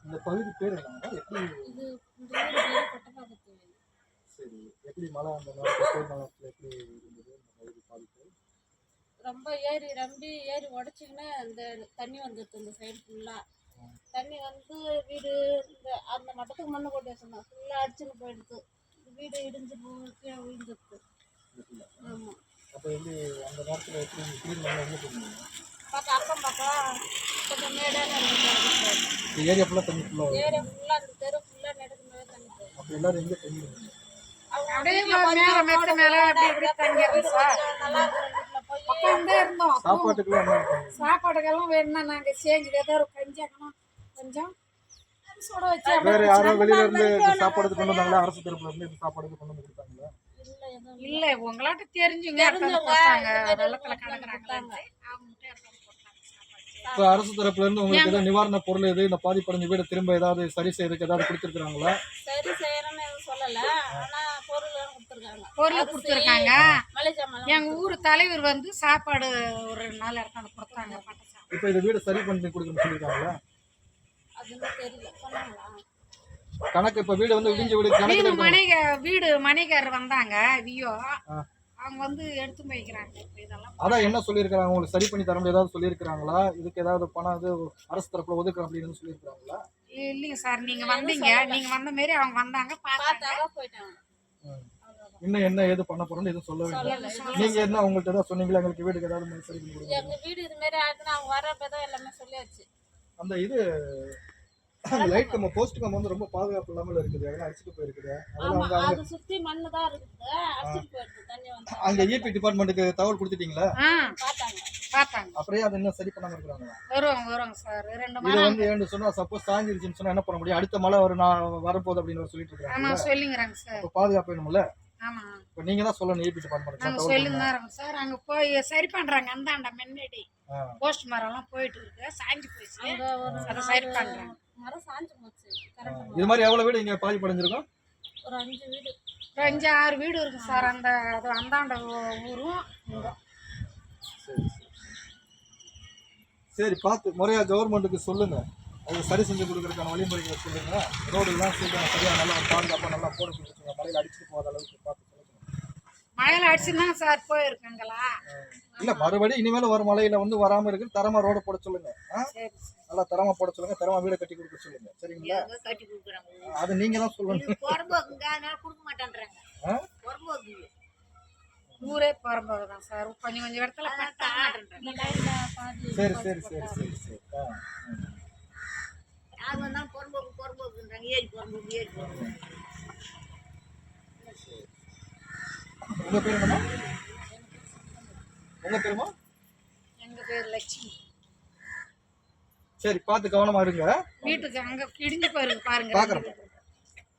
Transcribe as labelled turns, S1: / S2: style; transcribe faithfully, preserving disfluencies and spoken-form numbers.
S1: இந்த பகுதி பேர் என்னங்க? எப்படி
S2: இது இந்த ஊர் பேரு கொட்டப்பாக்கத்து.
S1: சரி. எப்படி மழை அந்த நேரத்துல கோடை காலத்துல எப்படி இருந்தது இந்த பகுதி பாதிப்பு?
S2: ரொம்ப ஏரி ரம்பி ஏரி உடச்சிக்கின்னு இந்த தண்ணி வந்துடுது இந்த சைடு ஃபுல்லாக. தண்ணி வந்து வீடு இந்த அந்த மட்டத்துக்கு மண்ணு போட்டு வச்சிருந்தோம் ஃபுல்லாக அடிச்சுன்னு போயிடுது. வீடு இடிஞ்சு கீழே விழுந்துடுது. ஆமாம்.
S1: அப்போ எப்படி அந்த நேரத்தில் எப்படி கிளீன் பண்ண எங்கே போயிருந்தீங்க?
S2: பார்த்தா அக்கம் பக்கம் கொஞ்சம் மேடான
S1: இந்த ஏரியா ஃபுல்லாக தண்ணி ஃபுல்லாக
S2: ஏரியா ஃபுல்லாக அந்த தெரு ஃபுல்லாக நெடுக்கு மேலே தண்ணி போகும்.
S1: அப்போ எல்லாரும் எங்கே தண்ணி இருந்தீங்க? சாப்பாட்டுக்கெல்லாம் என்ன
S3: சாப்பாடுக்கெல்லாம் வேணும்னா நாங்க செஞ்சு ஏதாவது கஞ்சி ஆக்கணும் கொஞ்சம் சுட வச்சு
S1: வேற யாரோ வெளியில இருந்து சாப்பாடு கொண்டு வந்தாங்களா? அரசு தரப்புல இருந்து இந்த சாப்பாடு கொண்டு வந்து கொடுத்தாங்களா?
S3: இல்ல உங்களாட்ட தெரிஞ்சுங்க வெள்ளத்துல கலக்குறாங்க.
S1: இப்போ அரசு தரப்புல இருந்து உங்களுக்கு ஏதாவது நிவாரண பொருள் எது இந்த பாதிப்படைஞ்ச வீடு திரும்ப ஏதாவது சரி செய்யறதுக்கு ஏதாவது கொடுத்துருக்காங்களா?
S2: சரி செய்யறேன்னு எதுவும் சொல்லல. ஆனா பொருள் கொடுத்துருக்காங்க.
S3: பொருள் கொடுத்துருக்காங்க. எங்க ஊர் தலைவர் வந்து சாப்பாடு ஒரு நாலு இடத்துல கொடுத்தாங்க.
S1: இப்போ இந்த வீடு சரி பண்ணி கொடுக்கணும்னு சொல்லியிருக்காங்களா?
S2: அதுன்னு தெரியல. சொன்னாங்களா?
S1: கணக்கு இப்ப வீடு வந்து இடிஞ்ச வீடு கணக்கு
S3: மணிக வீடு மணிகாரர் வந்தாங்க வியோ அவங்க வந்து எடுத்து போய்க்கிறாங்க. இதெல்லாம்
S1: அதான் என்ன சொல்லியிருக்காங்க? உங்களுக்கு சரி பண்ணி தர முடியாது ஏதாவது சொல்லியிருக்காங்களா? இதுக்கு ஏதாவது பணம் அது அரசு தரப்புல ஒதுக்குறோம் அப்படின்னு சொல்லியிருக்காங்களா?
S3: இல்லைங்க சார், நீங்க வந்தீங்க, நீங்க வந்த மாரி அவங்க வந்தாங்க பார்த்தாங்க
S2: போயிட்டாங்க.
S1: இன்னும் என்ன ஏது பண்ண போறோம்னு எதுவும் சொல்லவே இல்லை. நீங்க என்ன உங்கள்கிட்ட ஏதாவது சொன்னீங்களா எங்களுக்கு வீடுக்கு ஏதாவது சரி பண்ணி கொடுங்க?
S2: எங்க வீடு இது மாதிரி ஆகுதுன்னு அவங்க வரப்பதான் எல்லாமே சொல்லியாச்சு.
S1: அந்த இது லைட் கம்பம் போஸ்ட் கம்பம் வந்து ரொம்ப பாதுகாப்பு இல்லாமல் இருக்குது. அதெல்லாம் அடிச்சுட்டு போயிருக்குது.
S2: அதெல்லாம் அவங்க அது சுத்தி மண்ணு தான் இருக்குது. அடிச்சிட்டு போயிடுது தண்ணி வந்து.
S1: அங்க ஈபி டிபார்ட்மென்ட்க்கு தகவல் கொடுத்துட்டீங்களா?
S2: பார்த்தாங்க
S3: பார்த்தாங்க.
S1: அப்படியே அது இன்னும் சரி பண்ணாம இருக்காங்க.
S3: வருவாங்க வருவாங்க சார். ரெண்டு
S1: இது வந்து ஏன்னு சொன்னா சப்போஸ் சாஞ்சிருச்சுன்னு சொன்னா என்ன பண்ண முடியும்? அடுத்த மழை வர நான் வரப்போகுது அப்படின்னு சொல்லிட்டு இருக்காங்க.
S3: ஆமா சொல்லிங்கறாங்க சார்.
S1: இப்போ பாதுகாப்பு வேணும்ல?
S3: ஆமா.
S1: இப்போ நீங்க தான் சொல்லணும் ஈபி டிபார்ட்மென்ட்க்கு
S3: நாங்க சொல்லிங்கறாங்க சார். அங்க போய் சரி பண்றாங்க. அந்தாண்ட முன்னாடி போஸ்ட் மரம்லாம் போயிட்டு இருக்கு. சாஞ்சி போயிச்சு. அத சரி பண்றாங்க.
S2: மரம் சாஞ்சி போச்சு. கரெக்ட்.
S1: இது மாதிரி எவ்வளவு வீடு இங்க பாதிப்படைஞ்சிருக்கும்?
S2: ஒரு அஞ்சு வீடு.
S3: ஒரு அஞ்சு ஆறு வீடு இருக்கு சார். அந்த அந்தாண்ட ஊரும்
S1: சரி சரி பார்த்து முறையா கவர்மெண்ட்டுக்கு சொல்லுங்க. அது சரி செஞ்சு கொடுக்கறதுக்கான வழிமுறைகளை சொல்லுங்க. ரோடுலாம் சீக்கிரம் சரியா நல்லா பாதுகாப்பாக நல்லா போட சொல்லிச்சுங்க. மழையில் அடிச்சுட்டு போகாத அளவுக்கு பார்த்து சொல்லுங்க.
S3: மழையில அடிச்சுதான் சார் போயிருக்குங்களா?
S1: இல்ல மறுபடி இனிமேல் வரும் மழையில வந்து வராம இருக்கு தரமா ரோட போட சொல்லுங்க. நல்லா தரமா போட சொல்லுங்க. தரமா வீட கட்டி கொடுக்க சொல்லுங்க. சரிங்களா?
S3: கட்டி கொடுக்குறாங்க.
S1: அது நீங்க தான் சொல்லணும்.
S3: பொறம்போக்குங்க அதனால கொடுக்க மாட்டேன்றாங்க. பொறம்போக்கு ஊரே பொறம்போக்கு தான் சார். கொஞ்சம் கொஞ்சம் இடத்துல பட்டா மாட்டேன்றாங்க.
S1: சரி சரி சரி சரி சரி
S3: யார் வந்தாலும் பொறம்போக்கு பொறம்போக்குன்றாங்க. ஏரி பொறம்போக்கு ஏரி பொறம்போக்கு.
S1: உங்க பேர் என்னமா? உங்க பேருமா?
S3: எங்க பேர் லட்சுமி.
S1: சரி பார்த்து கவனமா இருங்க.
S3: வீட்டுக்கு அங்க இடிஞ்சு போயிருக்கு பாருங்க.
S1: பாக்குறேன்.